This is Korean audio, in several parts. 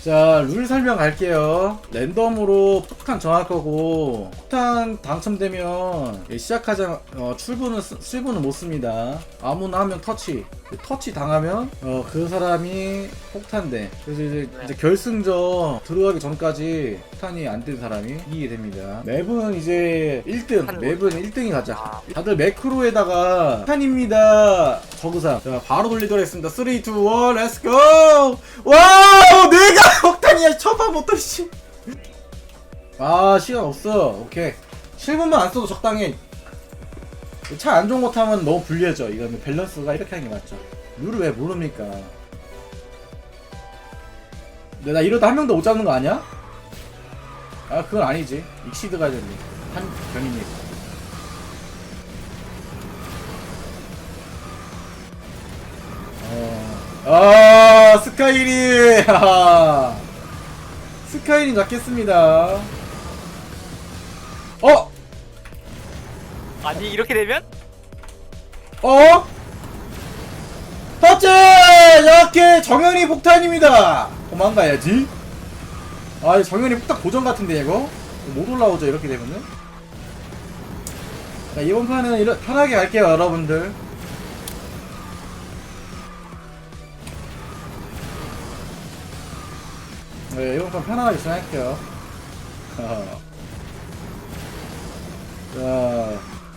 자, 룰 설명 갈게요. 랜덤으로 폭탄 정할 거고, 폭탄 당첨되면 시작하자 출구는 못 씁니다. 아무나 한 명 터치 당하면 그 사람이 폭탄돼. 그래서 이제 결승전 들어가기 전까지 폭탄이 안 된 사람이 이기게 됩니다. 맵은 이제 1등, 맵은 1등이 가자. 다들 매크로에다가 폭탄입니다. 저그상. 자, 바로 돌리도록 하겠습니다. 3, 2, 1, 렛츠고! 와우! 내가 폭탄이야! 쳐봐부터 씨. 아, 시간 없어. 오케이. 7분만 안 써도 적당해. 차 안 좋은 거 타면 너무 불리해져. 이거는 밸런스가 이렇게 하는 게 맞죠. 룰을 왜 모릅니까? 근데 나 이러다 한 명도 못 잡는 거 아니야? 아, 그건 아니지. 익시드 가야 되는데. 한 병이니. 스카이린! 스카이린 잡겠습니다. 아니 이렇게 되면? 터치! 이렇게 정현이 폭탄입니다. 도망가야지. 아, 정현이 폭탄 고정 같은데 이거? 못 올라오죠 이렇게 되면은. 자, 이번 판은 편하게 갈게요 여러분들. 네, 이번 판 편하게 진행할게요. 자,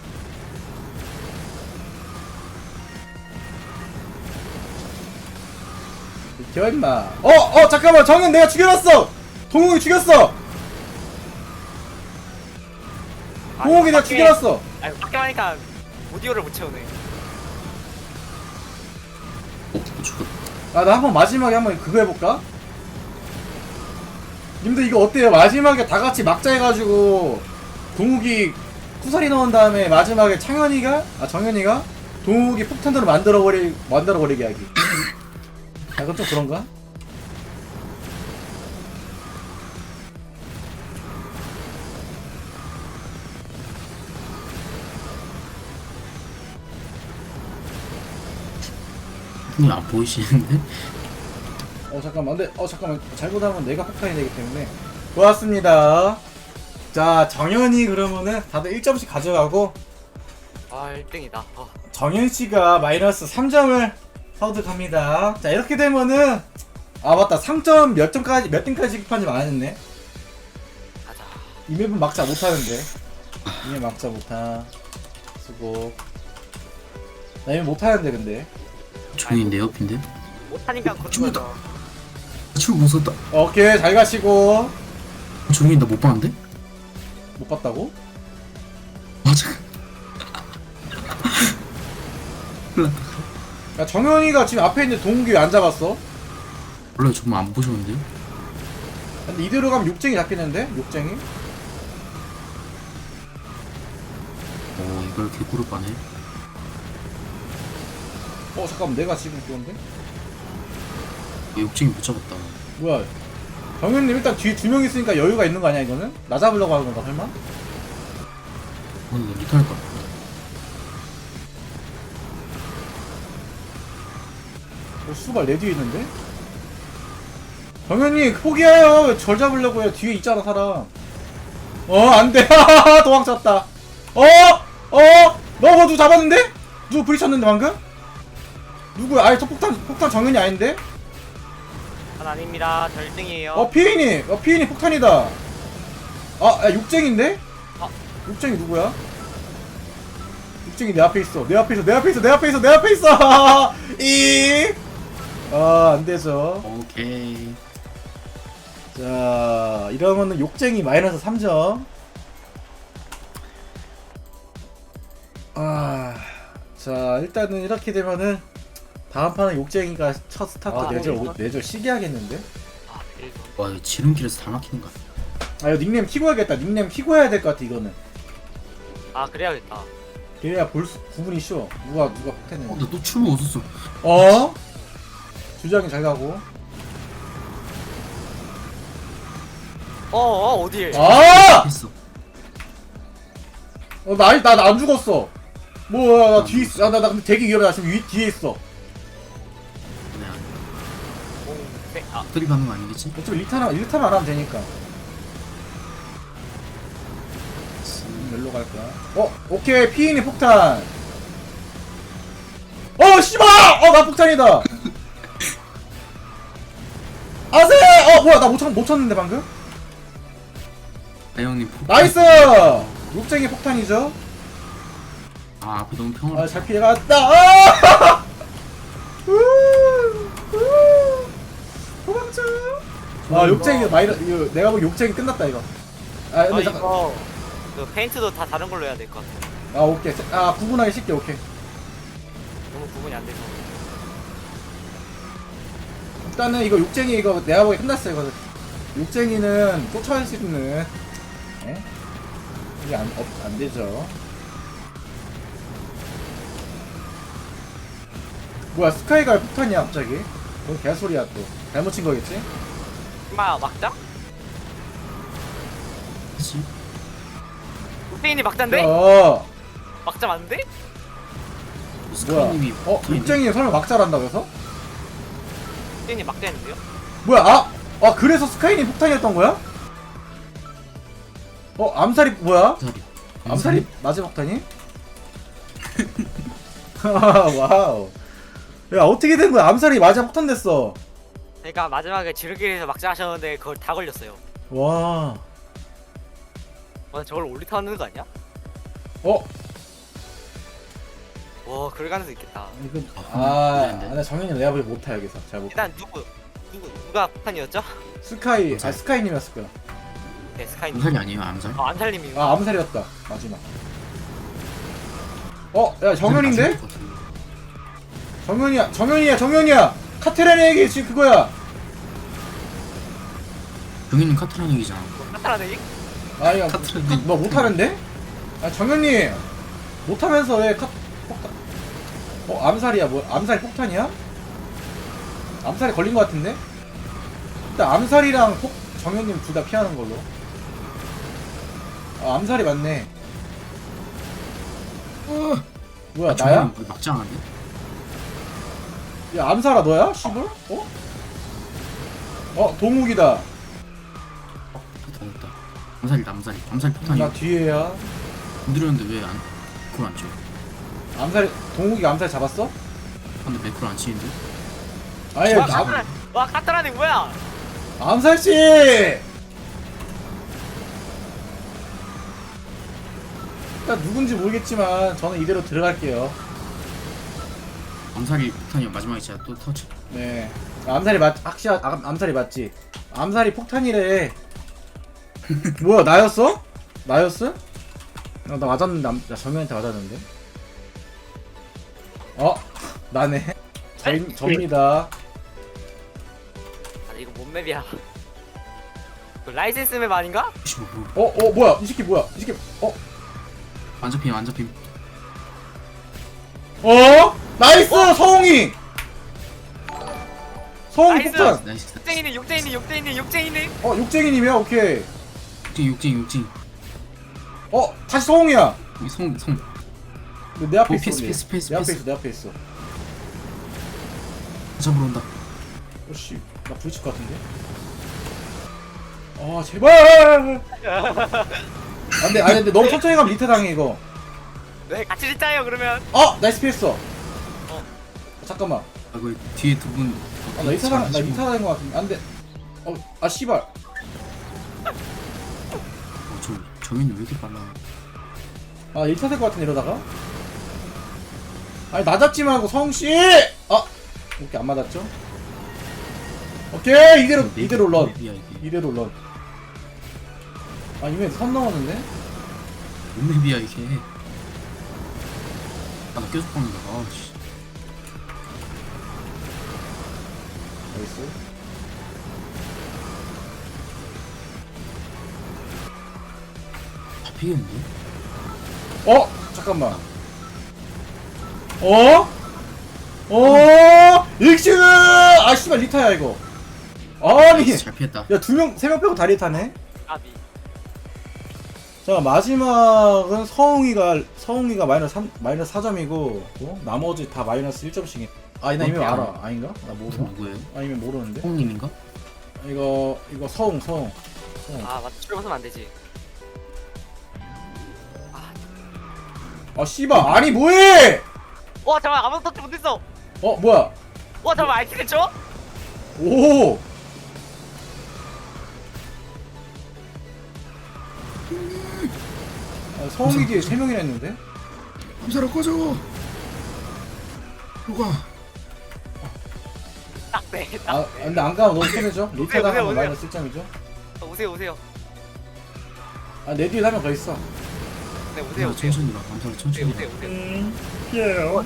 비켜 임마. 잠깐만, 정현 내가 죽여놨어. 동욱이 죽였어. 동욱이 내가 죽여놨어. 아니 밖에 하니까 오디오를 못 채우네. 나 한번 마지막에 한번 그거 해볼까? 님들 이거 어때요? 마지막에 다 같이 막자 해가지고 동욱이 쿠사리 넣은 다음에 마지막에 정현이가 동욱이 폭탄으로 만들어버리게 하기. 약간 좀 그런가? 형님 안 보이시는데? 잠깐만. 근데 잠깐만. 잘못하면 내가 폭탄이 되기 때문에. 고맙습니다. 자, 정현이 그러면은 다들 1점씩 가져가고 아 1등이다. 정현씨가 마이너스 3점을 획득합니다. 자, 이렇게 되면은 맞다. 상점 몇 등까지 급한지 안 했네. 가자. 이 맵은 막자 못하는데. 이 맵 막자 못하. 수고. 나 이 맵 못하는데 근데. 종이 내 옆인데? 못하니까 그런 죽었다. 거죠. 지금 무섭다. 오케이, 잘 가시고. 종이 나 못 봤는데? 못 봤다고? 맞아. 야, 정현이가 지금 앞에 있는 동욱이 왜 안 잡았어? 원래 정말 안 보셨는데요? 근데 이대로 가면 육쟁이 잡히는데? 육쟁이? 이걸 개구르 빠네. 잠깐만, 내가 지금 그건데? 욕쟁이 못 잡았다. 뭐야? 정현님 일단 뒤에 2명 있으니까 여유가 있는 거 아니야 이거는? 나 잡으려고 하는 건가 설마? 오늘 리턴할 것 같다. 수발 내 뒤에 있는데? 정현님 포기해요. 왜 절 잡으려고 해요? 뒤에 있잖아 사람. 안돼. 도망쳤다. 너 누구 잡았는데? 누구 부딪혔는데 방금? 누구야? 아니 저 폭탄 정현이 아닌데? 전 아닙니다. 저 1등이에요. 피인이 폭탄이다. 야, 육쟁인데? 육쟁이 누구야? 육쟁이 내 앞에 있어. 내 앞에 있어. 안 되죠. 오케이. 자, 이러면은 욕쟁이 마이너스 3점. 자, 일단은 이렇게 되면은 다음 판은 욕쟁이가 첫 스타트 내절 시게 하겠는데? 와, 이거 지름길에서 다 막히는 거 아니야? 이거 닉네임 키고 해야겠다. 닉네임 키고 해야 될 것 같아, 이거는. 그래야겠다. 그래야 구분이 쉬워. 누가 폭탄했는지. 나또 출구 없었어. 주장이 잘 가고. 어딜? 했어. 나 안 죽었어. 나 뒤에 있어. 나 근데 되게 위험해. 나 지금 뒤에 있어. 엎드리 박는 거 아니겠지? 어차피 리타만 안 하면 되니까. 열로 갈 거야. 오케이. 피인이 폭탄. 씨발! 나 폭탄이다. 아세! 뭐야, 나 못 쳤는데, 방금? 아 형님 폭. 나이스! 욕쟁이 폭탄이죠? 앞에 너무 평화롭다. 잘 피해갔다. 도망쳐. 욕쟁이 이거 내가 보기 욕쟁이 끝났다, 이거. 근데 잠깐. 이거 그 페인트도 다 다른 걸로 해야 될 것 같아. 오케이. 구분하기 쉽게, 오케이. 너무 구분이 안 돼서. 일단은 이거 욕쟁이 이거 내가 보기 끝났어, 이거. 욕쟁이는 쫓아갈 수 있는. 예? 이게 안 되죠. 뭐야, 스카이가 폭탄이야, 갑자기? 뭔 개소리야, 또. 잘못 친 거겠지? 엄마 막자? 그치? 육대인이 막자인데? 막자 맞는데? 뭐야? 스카이님이 욕쟁이 설마 막자란다, 그래서? 육대인이 막자했는데요? 뭐야, 그래서 스카이님 폭탄이었던 거야? 암살이, 뭐야? 암살이 마지막 폭탄이? 와우. 야, 어떻게 된 거야? 암살이 마지막 폭탄 됐어. 그러니까 마지막에 지르길에서 막자 하셨는데 그걸 다 걸렸어요. 와. 저걸 올리타는 거 아니야? 와, 그럴 가능성 있겠다. 이거 네. 나 정현이 내가 보기 못해 여기서 잘 못. 일단 누가 폭탄이었죠? 스카이님이었을 거야. 네, 스카이님. 암살이 아니에요 암살? 안살님이. 암살이었다 마지막. 야, 정현인데? 정현이야. 카테라는 얘기 지금 그거야. 병인님 카트라는 얘기잖아. 카타라는 얘기? 야, 카트라는 너 못하는데? 정현이 못하면서 왜 폭탄? 암살이야. 뭐 암살이 폭탄이야? 암살이 걸린 것 같은데? 일단 암살이랑 정현님 둘 다 피하는 걸로. 암살이 맞네. 뭐야, 나야? 막지 않았네? 야, 암살아 너야? 씨발? 동욱이다. 됐다. 암살이다 암살 폭탄이. 나 뒤에야. 건드렸는데 왜 그걸 안 쳐? 동욱이가 암살 잡았어? 근데 매크로 안 치는데? 아예 와, 카타라는 뭐야? 암살씨! 일단 누군지 모르겠지만 저는 이대로 들어갈게요. 암살이 폭탄이야. 마지막에 진짜 또 터치. 네. 암살이 맞지? 암살이 폭탄이래. 뭐야, 나였어? 나였어? 나 맞았는데, 나 정현한테 맞았는데? 나네. 접니다. 이거 뭔 맵이야? 그 라이센스 맵 아닌가? 뭐야, 이 새끼 뭐야? 이 새끼, 안 잡힘. 나이스! 서홍이! 서홍이 나이스! 폭탄! 나이스. 욕쟁이네. 욕쟁이님이야? 오케이. 육징. 다시 서홍이야! 여기 송. 내 앞에 있어. 패스. 내 앞에 있어. 잡으러 온다. 씨, 나 부딪힐 것 같은데? 제발! 근데 너무 천천히 가면 리타 당해, 이거. 네, 같이 짓자요 그러면. 나이스 피했어. 잠깐만. 그 뒤에 두 분. 나 리타 당한 것 같은데. 안 돼. 씨발. 정현이 왜 이렇게 빨라? 리타 될 것 같은데, 이러다가? 나 잡지 말고, 성씨! 오케이, 안 맞았죠? 오케이, 이대로 런. 이대로 런. 이미 선 넘었는데? 뭔 맵이야 이게? 나 계속 박는다. 씨. 나이스. 잡히겠는데? 잠깐만. 익시그! 씨발, 리타야, 이거. 아니. 잘 피했다. 야, 3명 빼고 다 리타네? 아비. 자, 마지막은 서웅이가 마이너스 4점이고, 나머지 다 마이너스 1점씩. 나 이미 알아. 아닌가? 나 모르나? 누구예요? 아니면 모르는데? 홍님인가? 이거 서웅. 아 맞다. 출발 쓰면 안 되지. 아 씨발 아니 뭐해? 와 잠깐 아무도 터치 못했어. 뭐야? 와 잠깐 알키 됐죠? 오. 서웅이 뒤에 3명이나 있는데? 함사로 꺼져. 누가? 딱네. 근데 안 가면 너무 손해죠? 리타 오세요, 당하면 오세요. 마이너스 1점이죠? 오세요. 내 뒤에 1명 더 있어. 네 오세요. 천천히 가. 함사로 천천히 가. 오세요. 피해요.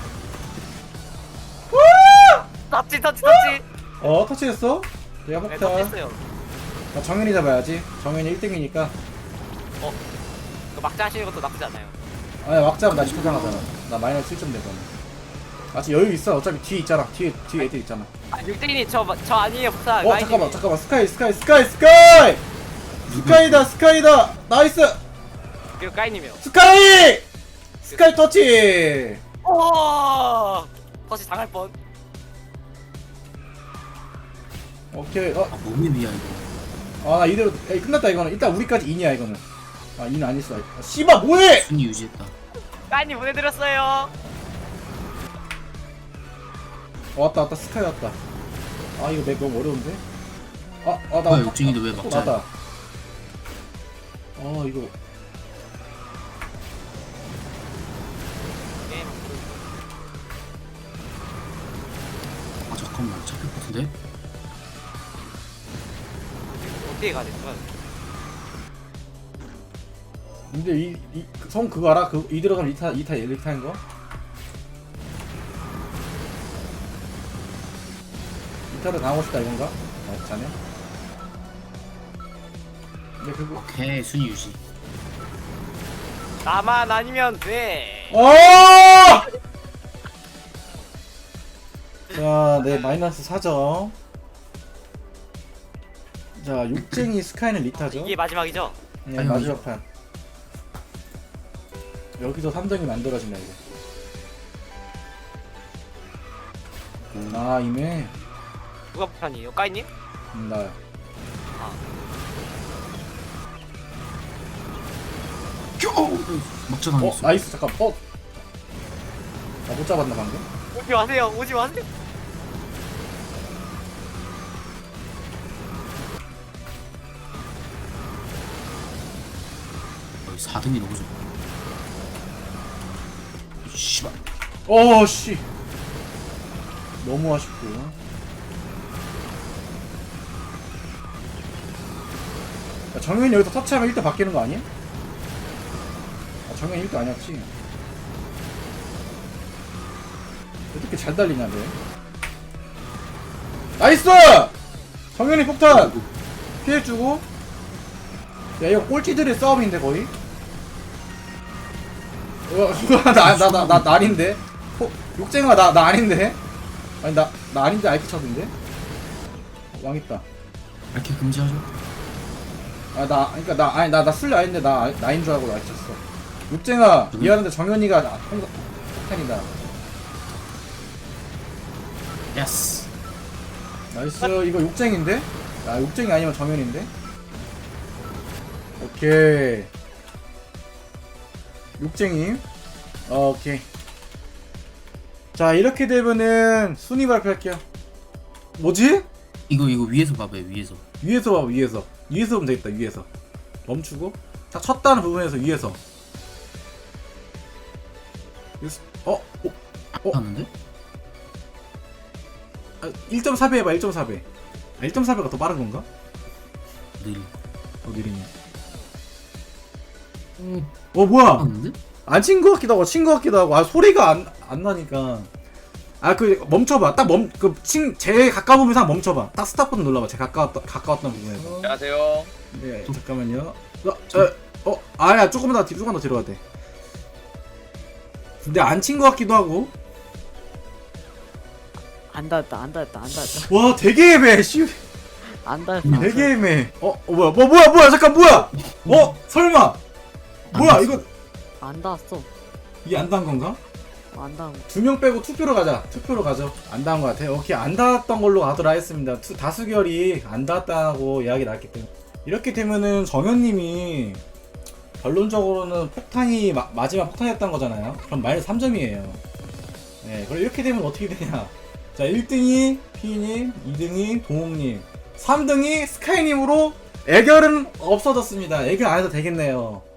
터치. 터치했어? 내가 네 폭탄. 터치했어요. 정현이 잡아야지. 정현이 1등이니까. 이거 막자 하시는 것도 나쁘지 않아요. 아니 막자면 나 리타 당하잖아. 나 마이너스 1점 되거든. 아직 여유 있어. 어차피 뒤에 있잖아. 뒤에 애들 있잖아. 아 육대인이 저 아니에요 폭탄. 잠깐만. 스카이다. 나이스. 이거 까이님이요. 스카이 터치. 오 터치 당할 뻔. 오케이. 몸이 위야 이거. 나 이대로 끝났다 이거는. 일단 우리까지 2냐 이거는. 2는 아니었어. 씨발 뭐해? 순위 유지했다. 까이님 보내드렸어요. 왔다. 스카이 왔다. 이거 맵 너무 어려운데? 나 뭐야, 욕쟁이도 왜 또 막자야? 나다. 이거 게임 잠깐만 잡힐 것 같은데? 어떻게 가야 될까? 근데 성 그거 알아? 이 들어가면 리타인 거? 리타를 당하고 싶다 이건가? 자네. 근데 그거 오케이 순위 유지. 나만 아니면 돼. 자, 네 마이너스 4점. 자, 육쟁이 스카이는 리타죠? 이게 마지막이죠? 네, 아니, 마지막 판. 여기서 3점이 만들어진다 이거. 이메. 누가 폭탄이에요? 까이님? 나요. 막자 당했어. 나이스 잠깐. 나 못 잡았나 방금? 오지 마세요. 여기 4등이 너무 좋아. 씨발. 씨. 너무 아쉽고. 정현이 여기서 터치하면 1등 바뀌는 거 아니야? 정현이 1등 아니었지? 어떻게 잘 달리냐, 쟤. 나이스! 정현이 폭탄! 피해주고. 야, 이거 꼴찌들의 싸움인데, 거의? 나 아닌데? 욕쟁아, 나 아닌데? 아니, 나 아닌데, 아이키 쳐던데? 망했다. 이렇게 금지하죠. 나 술래 아닌데, 나인 줄 알고 아이키 쳤어. 욕쟁아, 미안한데 정현이가 폭탄이다. 예스. 나이스. 이거 욕쟁인데? 욕쟁이 아니면 정현인데? 오케이. 욕쟁이. 오케이. 자, 이렇게 되면은 순위 발표할게요. 뭐지? 이거 위에서 봐봐요. 위에서. 위에서 봐, 위에서 보면 되겠다. 위에서 멈추고 딱 쳤다는 부분에서 위에서. '하는데? 1.4배 해봐. 1.4배. 1.4배가 더 빠른 건가? 느리. 느리네. 뭐야? 하는데? 안 친 거 같기도 하고 친 거 같기도 하고. 소리가 안 나니까. 멈춰봐. 제일 가까운 부분에서 멈춰봐. 딱 스탑 버튼 눌러봐. 제일 가까웠던 부분에서. 안녕하세요. 네, 잠깐만요. 아니야. 조금만 더 뒤로 가야 돼. 근데 안 친 거 같기도 하고. 안 닿았다. 와, 되게 애매해. 안 닿았다. 되게 애매해. 뭐야. 잠깐, 뭐야? 설마. 뭐야, 이거. 안 닿았어. 이게 안 단 건가? 안 닿은 거. 2명 빼고 투표로 가자. 투표로 가죠. 안 닿은 것 같아요. 오케이, 안 닿았던 걸로 가도록 하겠습니다. 다수결이 안 닿았다고 이야기 나왔기 때문에. 이렇게 되면은 정현님이 결론적으로는 폭탄이 마지막 폭탄이었던 거잖아요. 그럼 마이너스 3점이에요. 네, 그럼 이렇게 되면 어떻게 되냐. 자, 1등이 피님, 2등이 동욱님, 3등이 스카이님으로 애결은 없어졌습니다. 애결 안 해도 되겠네요.